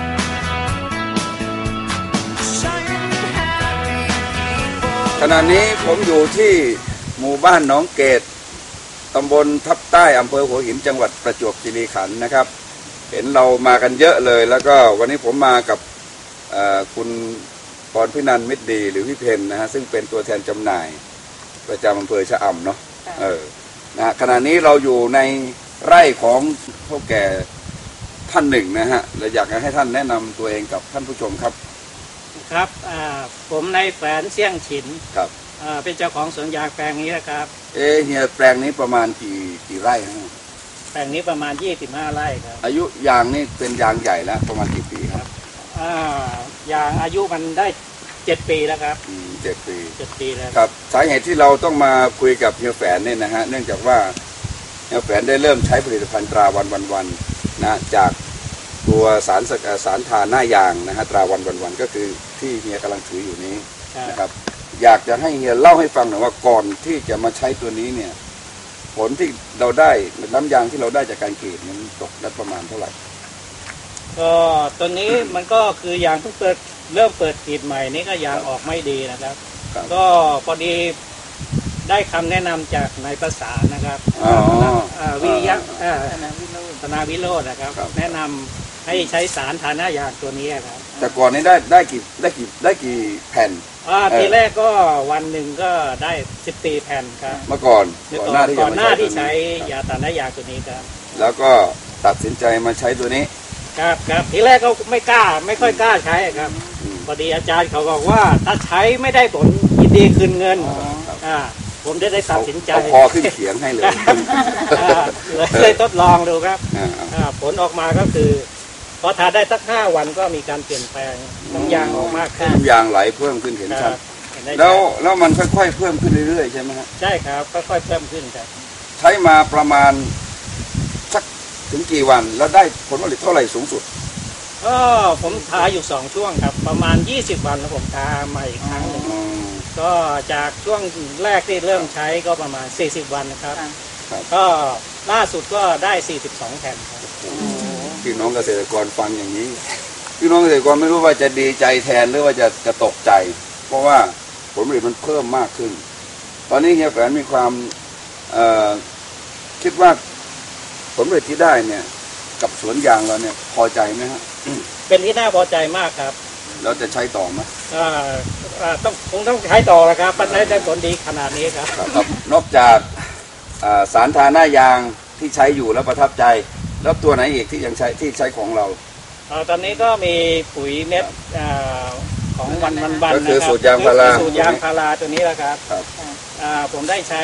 Speaker 1: ๆ
Speaker 2: ขณะนี้ผมอยู่ที่หมู่บ้านหนองเกตตำบลทับใต้อำเภอหัวหินจังหวัดประจวบคีรีขันธ์นะครับ เห็นเรามากันเยอะเลย แล้วก็วันนี้ผมมากับเอ่อคุณพรพินันท์มิตรดีหรือพี่เพนนะฮะซึ่งเป็นตัวแทนจำหน่ายประจำอำเภอชะอำเนาะเออนะฮะขณะนี้เราอยู่ในไร่ของเฒ่าแก่ท่านหนึ่งนะฮะและอยากให้ท่านแนะนำตัวเองกับท่านผู้ชมครับ
Speaker 5: ครับอ่าผมนายแฝนเสี่ยงฉิน
Speaker 2: ครับ
Speaker 5: อ่าเป็นเจ้าของสวนยางแปลงนี้นะครับ
Speaker 2: เอะเฮียแปลงนี้ประมาณกี่กี่ไร่ฮะ
Speaker 5: แปลงนี้ประมาณยี่สิบห้าไร่ครับ
Speaker 2: อายุยางนี่เป็นยางใหญ่แล้วประมาณกี่ปีครับ
Speaker 5: อ่ายางอายุมันได้เจ็ดปีแล้วครับ
Speaker 2: อืมเจ็ดปี
Speaker 5: เจ็ดปีแล้ว
Speaker 2: ครับสาเหตุที่เราต้องมาคุยกับเฮียแฝนเนี่ยนะฮะเนื่องจากว่าเฮียแฝนได้เริ่มใช้ผลิตภัณฑ์ตราวันวันวันนะจากตัวสารสกัดสารทาหน้ายางนะฮะตราวันวันวันก็คือที่เฮียกำลังถืออยู่นี้
Speaker 5: ครับ
Speaker 2: นะครับอยากจะให้เฮียเล่าให้ฟังหน่อยว่าก่อนที่จะมาใช้ตัวนี้เนี่ยผลที่เราได้น้ำยางที่เราได้จากการกรีดมันตกได้ประมาณเท่าไหร่
Speaker 5: ก็ตัวนี้มันก็คือยางเพิ่งเปิดเริ่มเปิดกรีดใหม่นี่ก็ยางออกไม่ดีนะครับ
Speaker 2: ครับ
Speaker 5: ก็พอดีได้คำแนะนำจากนายประสานนะครับ
Speaker 2: อ๋อ
Speaker 5: อ่าวิริยะอ่า
Speaker 1: ธนาวิโรจน์
Speaker 5: ธนาวิโรจน์นะครับ
Speaker 2: ครับ
Speaker 5: แนะนำให้ใช้สารทาหน้ายางตัวนี้ครับ
Speaker 2: แต่ก่อนนี้ได้ได้กี่ได้กี่ได้กี่แผ่น
Speaker 5: อ่า
Speaker 2: เออ
Speaker 5: ทีแรกก็วันหนึ่งก็ได้สิบสี่แผ่นครับ
Speaker 2: เมื่อก่อน
Speaker 5: เมื่อ
Speaker 2: ก่อน
Speaker 5: ก่อน
Speaker 2: หน้าที่
Speaker 5: ก่
Speaker 2: จะ
Speaker 5: อน
Speaker 2: มา
Speaker 5: หน้า
Speaker 2: ใช้
Speaker 5: ที่
Speaker 2: ตัว
Speaker 5: ใช้
Speaker 2: นี้
Speaker 5: ยาตาหน้ายางตัวนี้ครับ
Speaker 2: แล้วก็ตัดสินใจมาใช้ตัวนี้
Speaker 5: ครับครับทีแรกก็ไม่กล้าไม่ค่อยกล้าใช้ครับ
Speaker 2: อืม
Speaker 5: พอดีอาจารย์เขาบอกว่าถ้าใช้ไม่ได้ผลยินดีคืนเงิน
Speaker 2: ครับ
Speaker 5: อ่าผมได้ได้ตัดสินใจ
Speaker 2: เอาคอขึ้นเขียงให้เลย
Speaker 5: อ่าเลยเลยทดลองดูครับ
Speaker 2: อ่า
Speaker 5: อ่าผลออกมาก็คือพอทานได้สักห้าวันก็มีการเปลี่ยนแปลงน้ำยางออกมากขึ้น
Speaker 2: น้ำยางไหลเพิ่มขึ้นเห็น
Speaker 5: ค
Speaker 2: ชั
Speaker 5: รั
Speaker 2: ด
Speaker 5: บค
Speaker 6: แล้วแล้วมันค่อยๆเพิ่มขึ้นเรื่อยๆใช่ไหมฮะ
Speaker 5: ใช่ครับค่อยๆเพิ่มขึ้นครับ
Speaker 6: ใช้มาประมาณสักถึงกี่วันแล้วได้ผลผลิตเท่าไหร่สูงสุด
Speaker 5: ก็ผมทาอยู่สองช่วงครับประมาณยี่สิบวันแล้วผมทาใหม่อีกครั้งหนึ่งก็จากช่วงแรกที่เริ่มใช้ก็ประมาณสี่สิบวันนะครับก็ล่าสุดก็ได้สี่สิบสองแผ่นครับ
Speaker 6: พี่น้องเกษตรกรฟังอย่างนี้พี่น้องเกษตรกรไม่รู้ว่าจะดีใจแทนหรือว่าจะจะตกใจเพราะว่าผลผลิตมันเพิ่มมากขึ้นตอนนี้เฮียแฝนมีความคิดว่าผลผลิตที่ได้เนี่ยกับสวนยางเราเนี่ยพอใจไหมฮะ
Speaker 5: เป็นที่น่าพอใจมากครับ
Speaker 6: เราจะใช้ต่อไหม
Speaker 5: อ่าต้องคงต้องใช้ต่อแล้วครับมันได้ผลดีขนาดนี้ครับ
Speaker 6: ครับนอกจากสารทาหน้ายางที่ใช้อยู่แล้วประทับใจแล้วตัวไหนอีกที่ยังใช้ที่ใช้ของเรา
Speaker 5: ตอนนี้ก็มีปุ๋ยเม็ดของวันวันวัน
Speaker 6: ก็คือสูตรยางพารา
Speaker 5: สูตรยางพาราตัวนี้แหละครับผมได้ใช้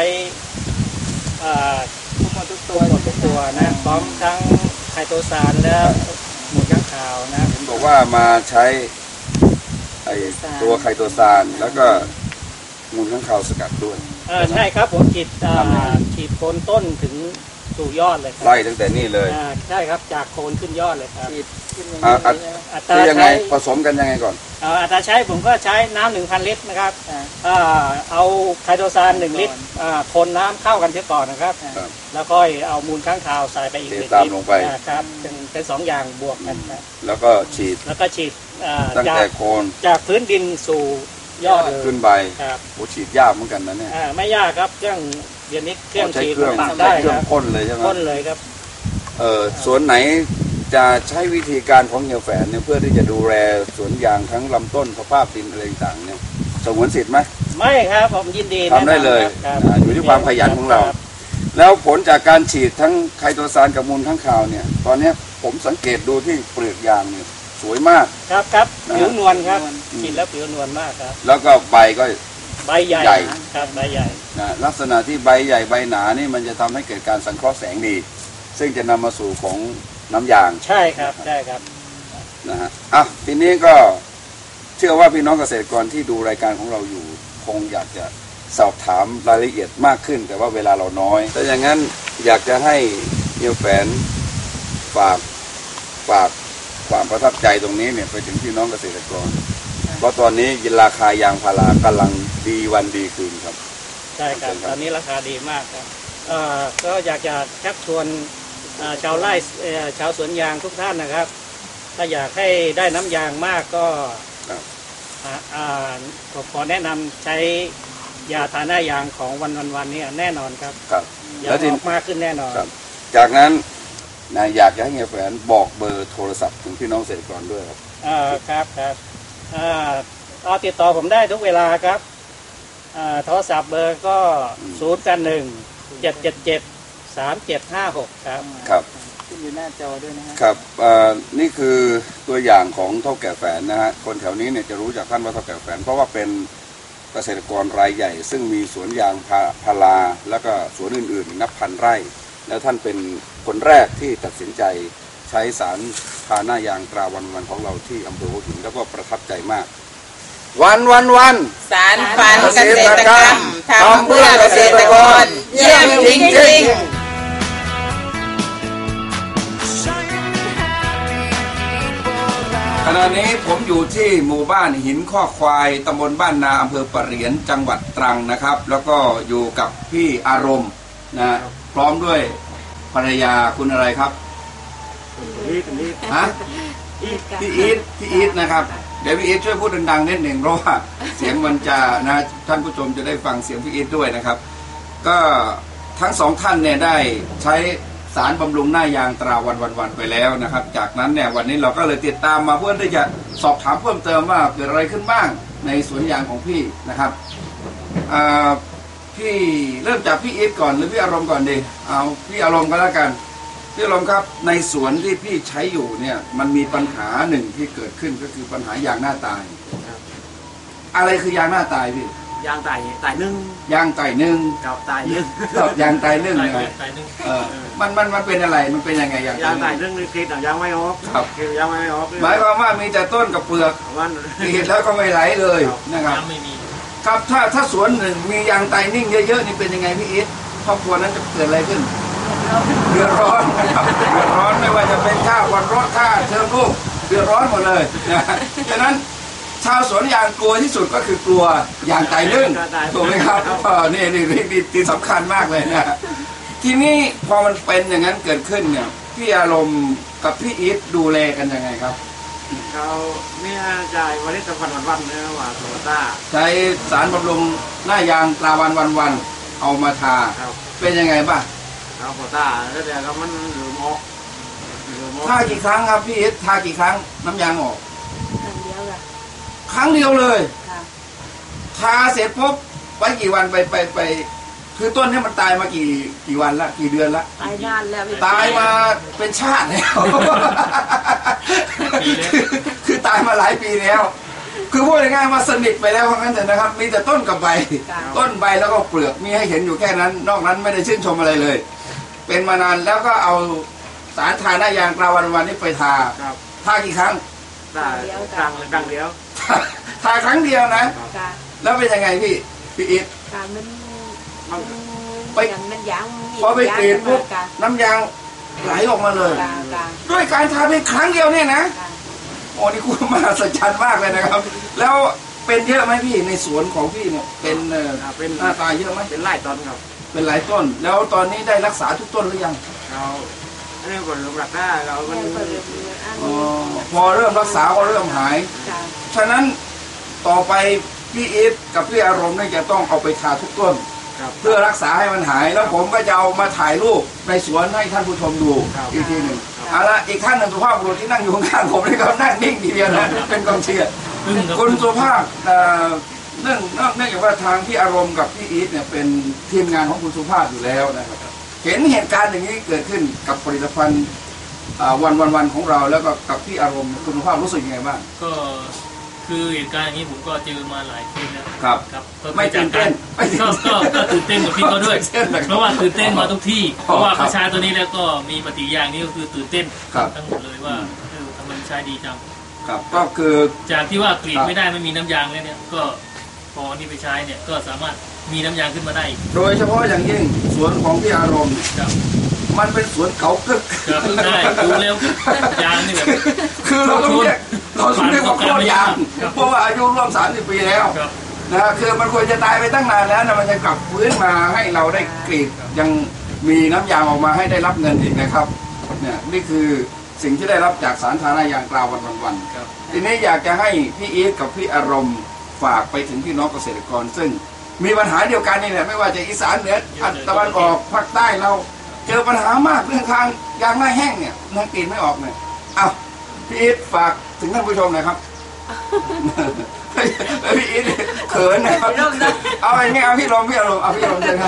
Speaker 5: ทุกหมดทุกตัวหมดทุกตัวนะพร้อมทั้งไคโตซานและหมูข้างขาวนะ
Speaker 6: ผมบอกว่ามาใช้ไอตัวไคโตซานแล้วก็มูลข้างขาวสกัดด้วย
Speaker 5: ใช่ครับผมฉีดฉีดโคนต้นถึงสู่ยอดเลย
Speaker 6: ไล่ตั้งแต่นี่เลย
Speaker 5: ใช่ครับจากโคนขึ้นยอดเลยครับ
Speaker 6: อัตรายังไงผสมกันยังไงก่อน
Speaker 5: อัตราใช้ผมก็ใช้น้ำหนึ่งพันลิตรนะครับเอาไคโตซานหนึ่งลิตรคนน้ำเข้ากันเสียก่อนนะครับแล้วก็เอามูลค้างคาวใส่ไปอีกหนึ่งลิตรครับเป็นเป็นสองอย่างบวกกัน
Speaker 6: แล้วก็ฉีด
Speaker 5: แล้วก็ฉีด
Speaker 6: ตั้งแต่โคน
Speaker 5: จากพื้นดินสู่ยอด
Speaker 6: ขึ้นใบโอ้ฉีดยากเหมือนกันนะเนี่ย
Speaker 5: ไม่ยากครับเครื่องเดี๋ยวนี้เครื่องฉีด
Speaker 6: ปรับได้เครื่องพ่นเลยใช่ไหม
Speaker 5: พ่นเลยครับ
Speaker 6: เออสวนไหนจะใช้วิธีการของเฮียแฝนเนี่ยเพื่อที่จะดูแลสวนยางทั้งลำต้นสภาพดินอะไรต่างเนี่ยสงวนสิทธิ์ไหม
Speaker 5: ไม่ครับผมยินดี
Speaker 6: ทำได้เลยอยู่ที่ความขยันของเราแล้วผลจากการฉีดทั้งไคโตซานกับมูลข้างคาวเนี่ยตอนนี้ผมสังเกตดูที่เปลือกยางเนี่ยสวยมาก
Speaker 5: ครับครับผิวนวลครับฉีดแล้วผิวนวลมากครับ
Speaker 6: แล้วก็ใบก็
Speaker 5: ใบใหญ่ครับใบใหญ่
Speaker 6: นะลักษณะที่ใบใหญ่ใบหนานี่มันจะทำให้เกิดการสังเคราะห์แสงดีซึ่งจะนำมาสู่ของน้ำยาง
Speaker 5: ใช่ครับใช่ครับ
Speaker 6: นะฮะอ่ะทีนี้ก็เชื่อว่าพี่น้องเกษตรกรที่ดูรายการของเราอยู่คงอยากจะสอบถามรายละเอียดมากขึ้นแต่ว่าเวลาเราน้อยแต่อย่างนั้นอยากจะให้เฮียแฝนฝากฝากความประทับใจตรงนี้เนี่ยไปถึงพี่น้องเกษตรกรเพราะตอนนี้ราคายางพารากำลังดีวันดีคืนครับ
Speaker 5: ใช่ครับตอนนี้ราคาดีมากครับก็อยากจะชักชวนชาวไร่ชาวสวนยางทุกท่านนะครับถ้าอยากให้ได้น้ำยางมากก็ผมขอแนะนำใช้ยาทาหน้ายางของวันวันวันนี้แน่นอนครับ
Speaker 6: ครับ
Speaker 5: ยางออกมากขึ้นแน่นอน
Speaker 6: จากนั้นนะอยากให้เฮียแฝนบอกเบอร์โทรศัพท์ถึงพี่น้องเกษตรกรด้วยครับ
Speaker 5: ครับครับเอาติดต่อผมได้ทุกเวลาครับโทรศัพท์เบอร์ก็ศูนย์แปดหนึ่งเจ็ดเจ็ดเจ็ดสามเจ็ดห้าหกครับ
Speaker 6: ครับ
Speaker 1: ขึ้นอยู่หน้าจอด้วยนะ
Speaker 6: ครับนี่คือตัวอย่างของเท่าแก่แฝนนะฮะคนแถวนี้เนี่ยจะรู้จากท่านว่าเท่าแก่แฝนเพราะว่าเป็นเกษตรกรรายใหญ่ซึ่งมีสวนยางพาราแล้วก็สวนอื่นๆนับพันไร่แล้วท่านเป็นคนแรกที่ตัดสินใจใช้สารทาหน้ายางตราวันวันของเราที่อำเภอหัวหินแล้วก็ประทับใจมากวันวันวัน
Speaker 7: สารฝันเกษตรกรรมทำเพื่อเกษตรกรเยี่ยมจริงๆ
Speaker 6: ขณะนี้ผมอยู่ที่หมู่บ้านหินข้อควายตำบลบ้านนาอำเภอปะเหรียญจังหวัดตรังนะครับแล้วก็อยู่กับพี่อารมณ์นะพร้อมด้วยภรรยาคุณอะไรครับฮะพี่อีทพี่อีทนะครับเดี๋ยวพี่อีทช่วยพูดดังๆนิดหนึ่งเพราะว่าเสียงมันจะนะท่านผู้ชมจะได้ฟังเสียงพี่อีทด้วยนะครับก็ทั้งสองท่านเนี่ยได้ใช้สารบำรุงหน้ายางตราวันวันวันไปแล้วนะครับจากนั้นเนี่ยวันนี้เราก็เลยติดตามมาเพื่อที่จะสอบถามเพิ่มเติมว่าเกิดอะไรขึ้นบ้างในสวนยางของพี่นะครับพี่เริ่มจากพี่อีทก่อนหรือพี่อารมณ์ก่อนดีเอาพี่อารมณ์ก็แล้วกันพี่อารมณ์ครับในสวนที่พี่ใช้อยู่เนี่ยมันมีปัญหาหนึ่งที่เกิดขึ้นก็คือปัญหายางหน้าตายอะไรคือยางหน้าตายพี่
Speaker 8: ยางตายตายนึ่ง
Speaker 6: ยางตายนึ่ง
Speaker 8: กับตายนึ่ง
Speaker 6: กับยางตายนึ่งเลยเออมันมันมันเป็นอะไรมันเป็นยังไงยาง
Speaker 8: ยางตายนึ่งนี่คิดยางไม่ออก
Speaker 6: ครับ
Speaker 8: คิดยางไม่ออก
Speaker 6: หมายความว่ามีแต่ต้นกับเปลือกคิดแล้วก็ไม่ไหลเลยนะครับครับถ้าถ้าสวนหนึ่งมียางตายนิ่งเยอะๆนี่เป็นยังไงพี่อีทครอบครัวนั้นจะเกิดอะไรขึ้นเดือดร้อนนะครับเดือดร้อนไม่ว่าจะเป็นค่าวันรถค่าเทอมลูกเดือดร้อนหมดเลยนะฉะนั้นชาวสวนยางกลัวที่สุดก็คือกลัวยางตายนึ่งถูกไหมครับเออนี่นี่นี่นี่สำคัญมากเลยนะทีนี้พอมันเป็นอย่างนั้นเกิดขึ้นเนี่ยพี่อารมณ์กับพี่อีทดูแลกันยังไงครับ
Speaker 8: เขาเนี่ยจ่ายวันนี้จะวันวันวันเนี่ยว่าโซต้า
Speaker 6: ใช้สารบำรุงหน้ายางตราวันวันวันเอามาทาเป็นยังไงบ้าง
Speaker 8: เอาโซต้าแล้วเดี๋ยวก็มันหรือมอก
Speaker 6: ทากี่ครั้งครับพี่อีททากี่ครั้งน้ำยางออก
Speaker 1: ครั้งเดียวค่ะ
Speaker 6: ครั้งเดียวเลยทาเสร็จปุ๊บไว้กี่วันไปไปไปคือต้นนี้มันตายมากี่กี่วันละกี่เดือนละ
Speaker 1: ตายนานแล้ว
Speaker 6: ตายมาเป็นชาติแล้วคือตายมาหลายปีแล้วคือพูดง่ายๆว่าสนิทไปแล้วเพราะงั้นแต่นะครับมีแต่ต้นกับใบต้นใบแล้วก็เปลือกมีให้เห็นอยู่แค่นั้นนอกนั้นไม่ได้ชื่นชมอะไรเลยเป็นมานานแล้วก็เอาสารทาหน้ายางกราวันวันนี้ไปทาทากี่ครั้ง
Speaker 8: ทาครั้งครั้งเดียว
Speaker 6: ทาครั้งเดียวนะแล้วเป็นยังไงพี่พี่อิทไปพอไปกรีดปุ๊บน้ำยางไหลออกมาเลยด้วยการทาเพียงครั้งเดียวเนี่ยนะโอ้นี่คุณมหัศจรรย์มากเลยนะครับแล้วเป็นเยอะไหมพี่ในสวนของพี่เนี่ยเป็น
Speaker 8: เป็น
Speaker 6: หน้าตาเยอะไหม
Speaker 8: เป็นหลายต้นครับ
Speaker 6: เป็นหลายต้นแล้วตอนนี้ได้รักษาทุกต้นหรือยัง
Speaker 8: เราเริ่มก่อนรักษาเรา
Speaker 6: พอเริ่มรักษาก็เริ่มหายฉะนั้นต่อไปพี่อีทกับพี่อารมณ์นี่จะต้องเอาไปทาทุกต้นเพื่อรักษาให้มันหายแล้วผมก็จะเอามาถ่ายรูปในสวนให้ท่านผู้ชมดูอีกทีหนึ่งเอาละอีกท่านหนึ่งสุภาพบุรุษที่นั่งอยู่ข้างผมนี่ก็นั่งนิ่งทีเดียวนะเป็นกองเชียร์คุณสุภาพเนื่องเนื่องจากว่าทางพี่อารมณ์กับพี่อีทเนี่ยเป็นทีมงานของคุณสุภาพอยู่แล้วนะครับเห็นเหตุการณ์อย่างนี้เกิดขึ้นกับผลิตภัณฑ์วันวันวันของเราแล้วก็กับพี่อารมณ์คุณสุภาพรู้สึกยังไงบ้าง
Speaker 9: ก็คือเหตุการณ์อย่างนี้ผมก็เจอมาหลายทีแล้ว
Speaker 6: ครับ
Speaker 9: ครับ
Speaker 6: ไม่ตื่นเต้น
Speaker 9: ก็ก็ตื่นเต้นกับพี่เขาด้วยเพราะว่าตื่นเต้นมาทุกที่เพราะว่าเขาใช้ตัวนี้แล้วก็มีปฏิกิริยานี้ก็คือตื่นเต้นทั้งหมดเลยว่าทำไมใช้ดีจัง
Speaker 6: ครับก็คือ
Speaker 9: จากที่ว่ากรีดไม่ได้ไม่มีน้ำยางแล้วเนี่ยก็พอนี่ไปใช้เนี่ยก็สามารถมีน้ำยางขึ้นมาได้
Speaker 6: โดยเฉพาะอย่างยิ่งสวนของพี่อารมณ์มันเป็นสวนเขากึก
Speaker 9: ได้ดูเร็วยางนี่แบบ
Speaker 6: คือเราต้องเรียกเราต้องเรียกว่าโคตรยางเพราะว่าอายุร่วมสามสิบปีแล้วนะคือมันควรจะตายไปตั้งนานแล้วนะมันจะกลับฟื้นมาให้เราได้กรีดยังมีน้ำยางออกมาให้ได้รับเงินอีกนะครับเนี่ยนี่คือสิ่งที่ได้รับจากสารทาหน้ายางกราววันวันวันทีนี้อยากจะให้พี่อีทกับพี่อารมณ์ฝากไปถึงพี่น้องเกษตรกรซึ่งมีปัญหาเดียวกันนี่แหละไม่ว่าจะอีสานเหนือตะวันออกภาคใต้เราเจอปัญหามากเรื่องทางยางหน้าแห้งเนี่ยนักกรีดไม่ออกเนี่ยอ้าวพี่อีทฝากถึงท่านผู้ชมหน่อยครับพี่อีทเขินนะครับเอาไอ้นี่เอาพี่ลมพี่อารมณ์เอาพี่ลมเลยครับ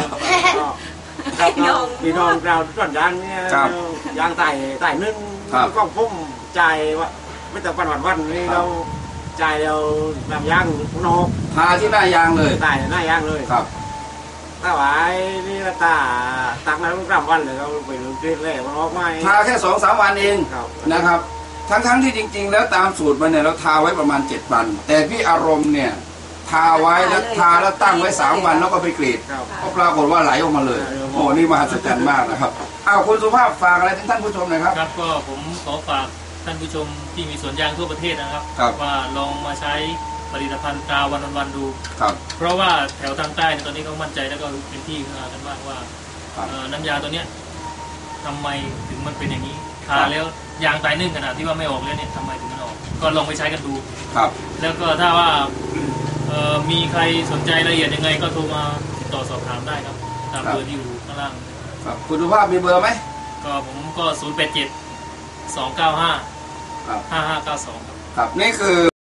Speaker 8: พี่น้องเราต้นยางเนี่ยยางไต่ไต่นึ่งก็พุ่มใจว่าไม่แต่วันวันวันนี่เราใจเราแบบยางนก
Speaker 6: ทาที่หน้ายางเลย
Speaker 8: ไต่หน้ายางเลย
Speaker 6: ครับ
Speaker 8: ถ้าไว้นี่ตาตักน้ำกลับวันเลยเราไปดูคลิปเลยมันออกมา
Speaker 6: ทาแค่สองสามวันเองนะครับทั้งทั้งที่จริงๆแล้วตามสูตรมันเนี่ยเราทาไว้ประมาณเจ็ดวันแต่พี่อารมณ์เนี่ยทาไว้แล้วทาแล้วตั้งไว้สามวันแล้วก็ไปกรีดก็ปรากฏว่าไหลออกมาเลยโอ้นี่มหัศจรรย์มากนะครับอ้าวคุณสุภาพฝากอะไรถึงท่านผู้ชมหน่อยครับ
Speaker 9: ครับก็ผมขอฝากท่านผู้ชมที่มีสวนยางทั่วประเทศนะครับว่าลองมาใช้ผลิตภัณฑ์ตราวันวันดูเพราะว่าแถวทางใต้ตอนนี้เขามั่นใจแล้วก็เป็นที่ขึ้นมากันมากว่าน้ำยาตัวเนี้ยทำไมถึงมันเป็นอย่างนี้ทาแล้วยางตายนึ่งขนาดที่ว่าไม่ออกแล้วเนี่ยทำไมถึงมันออกก็ลองไปใช้กันดู
Speaker 6: ครับ
Speaker 9: แล้วก็ถ้าว่ามีใครสนใจรายละเอียดยังไงก็โทรมาติดต่อสอบถามได้ครับตามเบอร์ที่อยู่ข้างล่าง
Speaker 6: ครับคุณสุภาพมีเบอร์ไหม
Speaker 9: ก็ผมก็ศูนย์แปดเจ็ดสองเก้าห้าห้าห้าเก้าสองครับ
Speaker 6: ครับนี่คือ